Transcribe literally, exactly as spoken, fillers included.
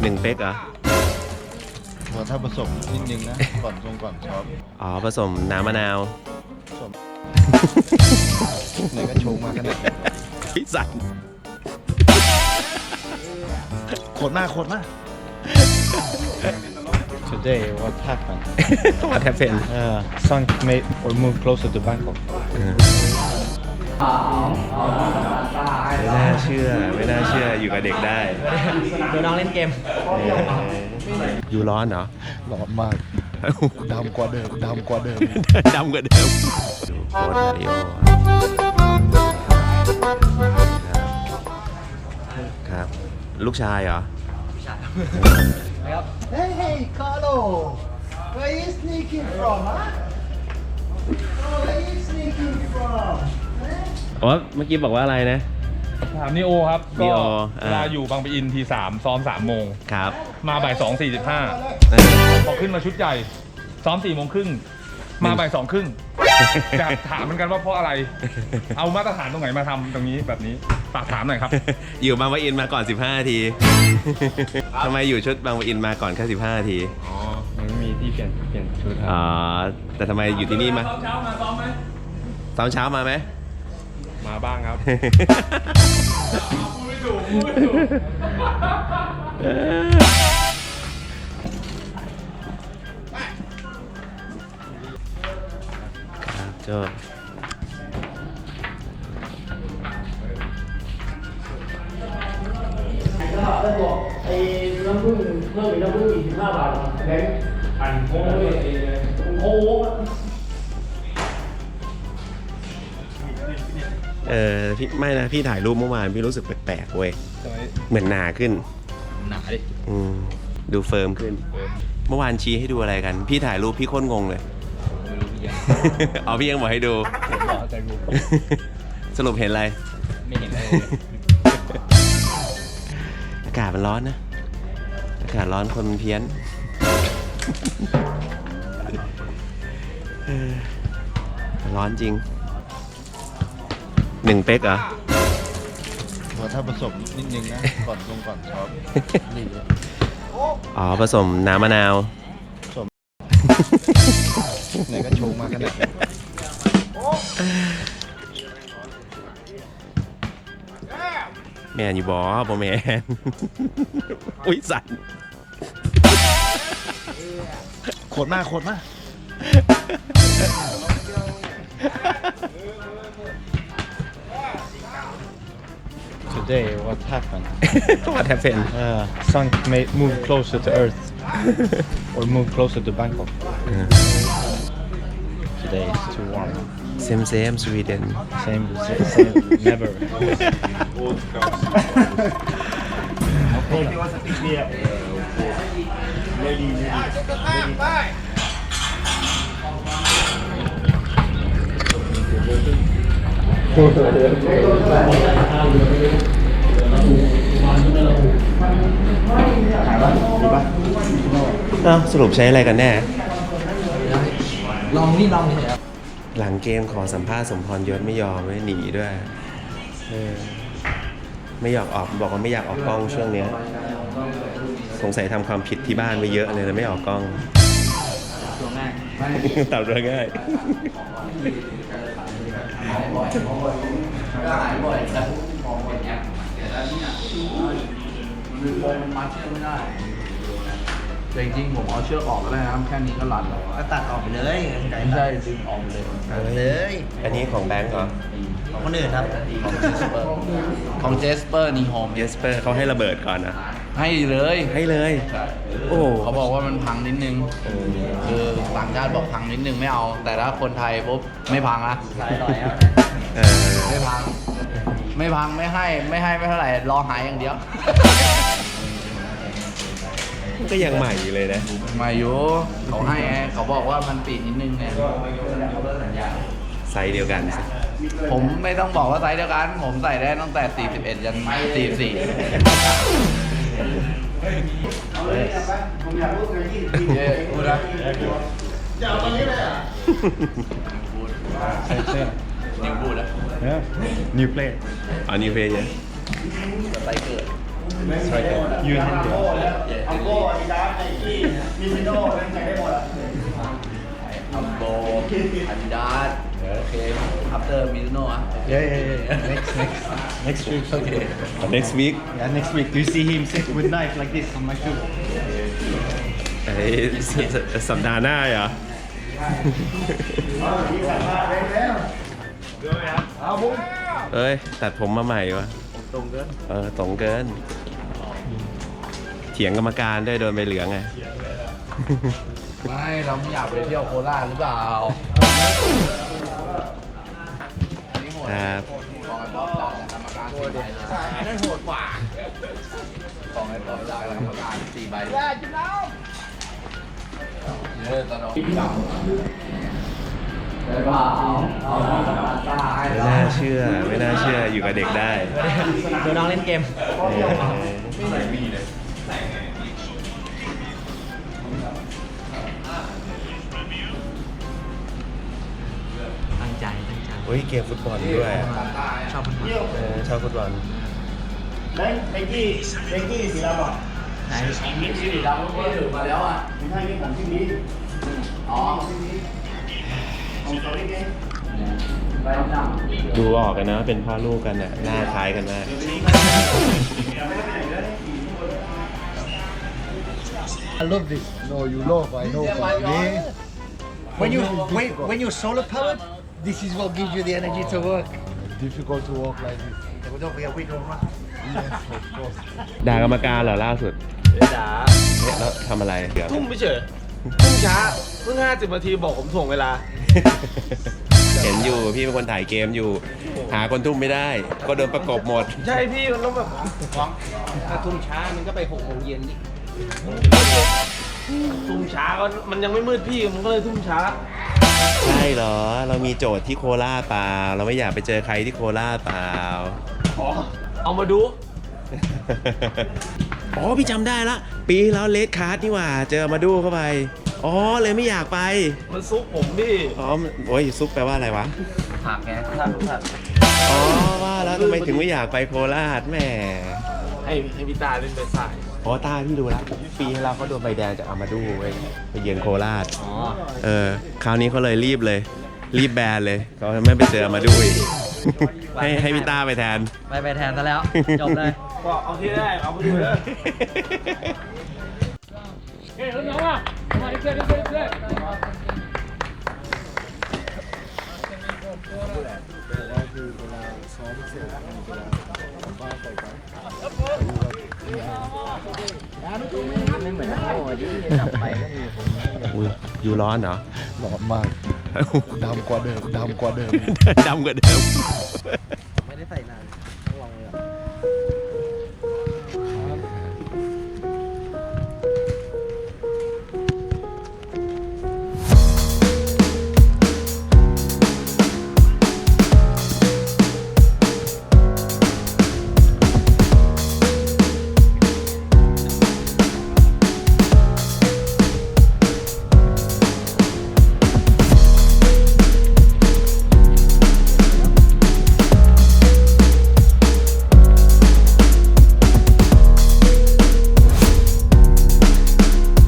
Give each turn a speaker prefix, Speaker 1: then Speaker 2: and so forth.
Speaker 1: นึ่งเป๊กเหรอ
Speaker 2: ถ้าผสมนิดนึงนะ ก่อนชงก่อนช็อป
Speaker 1: อ๋อผสมน้ำมะนาว
Speaker 2: ผสมไหนก็ชงมาขนาด
Speaker 1: พิสัน
Speaker 2: โคตรมากโคตรมาก Today what happened
Speaker 1: What happened
Speaker 2: uh, Son made or move closer to Bangkok
Speaker 1: ไม่น่าเชื่อไม่น่าเชื่ออยู่กับเด็กได้
Speaker 3: ดูน้องเล่นเกม
Speaker 1: อยู่ร้อนเหรอ
Speaker 2: ร้อนมากดำกว่าเดิมดำกว่าเดิม
Speaker 1: ดำกว่าเดิมดูโค้ดมาริโอครับลูกชายเหรอลูกชาย
Speaker 3: ครับ
Speaker 4: Hey hey Carlo where you sneaking from huh where you sneaking from
Speaker 1: อ๋อเมื่อกี้บอกว่าอะไรนะ
Speaker 5: ถามนิโอครับก็
Speaker 1: Neo
Speaker 5: เวลาอยู่บางปะอินทีสามซ้อมสามโมง
Speaker 1: ครับ
Speaker 5: มาบ่ายสองสี่สิบห้าพอขึ้นมาชุดใหญ่ซ้อมสี่โมงครึ่งมาบ่ายสองครึ่งอยากถามเหมือนกันว่าเพราะอะไรเอามาตรฐานตรงไหนมาทำตรงนี้แบบนี้ฝากถามหน่อยครับ
Speaker 1: อยู่บางปะอินมาก่อนสิบห้านาทีทำไมอยู่ชุดบางปะอินมาก่อนแค่สิบห้านาที
Speaker 5: อ๋อมันมีที่เปลี่ยนเปลี่ยนชุดครับ
Speaker 1: อ๋อแต่ทำไมอยู่ที่นี่มา
Speaker 5: เช้ามาซ้อมไหม
Speaker 1: ซ้อมเช้ามาไหม
Speaker 5: มาบ้างครับพูดไม่ถูกพูดไม่ถูก
Speaker 1: ครับโจ้
Speaker 3: ไอ้น้ำผึ้งเพิ่มเป็นน้ำผึ้งอีกสิบห้าบาทแบงค์อันโค้งเลยโค้ง
Speaker 1: เออพี่ไม่นะพี่ถ่ายรูปเมื่อวานพี่รู้สึกแปลกๆเว้ยเหมือนหนาขึ้น
Speaker 2: หนาดิ
Speaker 1: อืมดูเฟิร์มขึ้นเมื่อวานชี้ให้ดูอะไรกันพี่ถ่ายรูปพี่โคตรงงเลยอ๋อพี่ยังบอกให้ดู
Speaker 2: บอกใจรูป
Speaker 1: สรุปเห็นอะไร
Speaker 2: ไม่เห็นอะไร
Speaker 1: อากาศมันร้อนนะอากาศร้อนคนมันเพี้ยนร้อนจริงหนึ่งเป๊กเหรอ
Speaker 2: ถ้าผสมนิดนึงนะ ก่อนชงก่อนช็อป
Speaker 1: อ๋อผสมน้ำมะนาว
Speaker 2: ผสมไหนก็ชงมาขนาด
Speaker 1: แมนอยู่บอบอแมนอุ้ยสั่น
Speaker 2: โคตรมากโคตรมาก Today what happened
Speaker 1: What happened
Speaker 2: uh, Son made move closer to Earth or move closer to Bangkok Today is too warm
Speaker 1: Same same Sweden
Speaker 2: Same same never
Speaker 4: Okay you want to pick me up Ready ready
Speaker 1: อ้าวสรุปใช้อะไรกันแน่
Speaker 3: ลองนี่ลองนี่ครับ
Speaker 1: หลังเกมขอสัมภาษณ์สมพรยศไม่ยอมไม่หนีด้วยเออไม่อยากออกบอกว่าไม่อยากออกกล้องช่วงนี้สงสัยทำความผิดที่บ้านไปเยอะเลยเลยไม่ออกกล้อง
Speaker 3: ตัวง่าย
Speaker 1: ตอบตัวง่าย
Speaker 3: ก็หายบ่อยแต่มองบ่อยแอปแต่แล้วเนี่ยมือโฟมมันมัดเชือกไม่ได้แต่จริงๆผมเอาเชือกออกก็ได้นะแค่นี้ก็รัดแล้วก็ตัดออกไปเลยไม่ใช่ดึงออกเลยตัดเลย
Speaker 1: อันนี้ของแบงก์เหรอ
Speaker 3: ของคนอื่นครับของเจสเปอร์ของเจสเปอร์นีโฮม
Speaker 1: เจสเปอร์เขาให้ระเบิดก่อนนะ
Speaker 3: ให้เลย
Speaker 1: ให้เลยโอ้
Speaker 3: เขาบอกว่ามันพังนิดนึงคือต่างชาติบอกพังนิดนึงไม่เอาแต่ถ้าคนไทยปุ๊บไม่พังนะไม่พังไม่พังไม่ให้ไม่ให้ไม่เท่าไหร่รอหายอย่างเดียว
Speaker 1: ก็ยังใหม่อยู่เลยนะ
Speaker 3: ใหม่อยู่เขาให้ไงเขาบอกว่ามันปีนิดนึงเนี่ย
Speaker 1: ไซส์เดียวกัน
Speaker 3: ผมไม่ต้องบอกว่าไซส์เดียวกันผมใส่ได้ตั้งแต่สี่สิบเอ็ดยันสี่สิบสี่ผมอยากพูดกันยี่สิบเย้พูดนะจะเอาตอนนี้เลยอ่ะ
Speaker 2: ใช่ใช่
Speaker 3: นิวพูดอ่ะ
Speaker 2: Yeah new play
Speaker 1: อ๋อ new play เนี่ย
Speaker 3: สไตล์เกิด
Speaker 2: You and him.
Speaker 4: เอาโก้อาดิดาสไนกี้มิซิโน่แม่งใช้ได้หมดอ่ะ
Speaker 3: อัมโบอาดิดาสโอเค after Mizuno อ่ะ
Speaker 2: Yeah, yeah, yeah. Next, next, next week. Okay.
Speaker 1: next week
Speaker 2: Yeah, next week. Do you see him sit with knife like this on my shoe?
Speaker 1: ไอ้สัปดาห์หน้าเหรอ เอ้ย ตัดผมมาใหม่วะ
Speaker 3: ตรงเกิน
Speaker 1: เออตรงเกิน เถียงกรรมการด้วยโดนใบเหลืองไง
Speaker 3: ไม่เราไม่อยากไปเที่ยวโคราชหรือเปล่า
Speaker 1: ครับ
Speaker 3: ของไอ้บอสจากกรรมการสี่ใบนะนั่นโหดกว่าของไอ้บอสจากกรรมการสี่ใบได้จุดแล้วเยอะตลอดได้ป่ะเอาตาให้
Speaker 1: ไม่น่าเชื่อ ไม่น่าเชื่ออยู่กับเด็กได้
Speaker 4: ดูน้องเล่นเกม ตั้งใจตั้งใจ
Speaker 1: โอ้ยเกมฟุตบอลด้วย
Speaker 4: ชอบฟุตบอล
Speaker 1: เออชอบฟุตบอล
Speaker 4: แล้วไนกี้ไนกี้สีดำอ่ะ
Speaker 3: ไหนมีสีดำก็ถือมาแล้วอ่ะ
Speaker 4: ไม่ใช่นี่ของที่นี้
Speaker 3: อ๋อ
Speaker 4: ของเขาเอง
Speaker 3: ใบดำ
Speaker 1: ดูออกกันนะ เป็นพ่อลูกกันน่ะหน้าคล้ายกันมาก
Speaker 6: I love this. No, you love. I know. But me,
Speaker 4: When you when when you solar powered, this is what gives you the energy to work.
Speaker 6: difficult to walk like this.
Speaker 4: แต่ว่าต้องไปเอาวิ่งลงมา
Speaker 6: Yes, of course.
Speaker 1: ด่ากรรมการเหรอล่าสุด
Speaker 7: จ๋า
Speaker 1: เนี่ยแล้วทำอะไรเดี๋ยว
Speaker 7: ทุ่มไม่เฉยทุ่มช้าเพิ่งห้าสิบนาทีบอกผมถ่วงเวลา
Speaker 1: เห็นอยู่พี่เป็นคนถ่ายเกมอยู่ หาคนทุ่มไม่ได้ ก็โดนประกบหมด
Speaker 7: ใช่พี่มันต้องแบบถ้าทุ่มช้ามันก็ไปหกโมงเย็นดิทุ่มช้าก็มันยังไม่มืดพี่มันก็เลยทุ่มช้า
Speaker 1: ใช่เหรอ เรามีโจทย์ที่โคราชเปล่า เราไม่อยากไปเจอใครที่โคราชเปล่า
Speaker 7: เอามาดู
Speaker 1: อ๋อพี่จำได้ละ ปีที่แล้วเลดคาร์ดนี่หว่า เจอมาดูเข้าไป อ๋อเลยไม่อยากไป
Speaker 7: มันซุกผมพี่
Speaker 1: อ๋อมันโอ้ยซุปแปลว่าอะไรวะ
Speaker 3: ผักไงผักผัก
Speaker 1: อ๋อว่าแล้วทำไมถึงไม่อยากไปโคราชแหม่
Speaker 7: ให้ให้พี่ตาเล่นไปสาย
Speaker 1: อ๋อตาพี่รู้แล้วปีที่แล้วเขาโดนใบแดงจากอามาดูเว้ยไปเยือนโคราช
Speaker 7: อ๋อ
Speaker 1: เออคราวนี้เขาเลยรีบเลย รีบแบนเลยเขาไม่ไปเจออามาดูอีก ให้ให้พี่ต้าไปแทน
Speaker 4: ไปไปแทนซะแล้ว จบเลย
Speaker 7: ก็เอาที่ได้เอาไปดูเลยเฮ้ยน้องอ่ะมาอีกเพื่อนอีกเพื่อนอีกเพื่อน
Speaker 1: อุ้ยอยู่ร้อนเหรอ
Speaker 6: ร้อนมากดำกว่าเดิมดำกว่าเดิม
Speaker 1: ดำกว่าเดิม
Speaker 4: ไม่ได้ใส่น้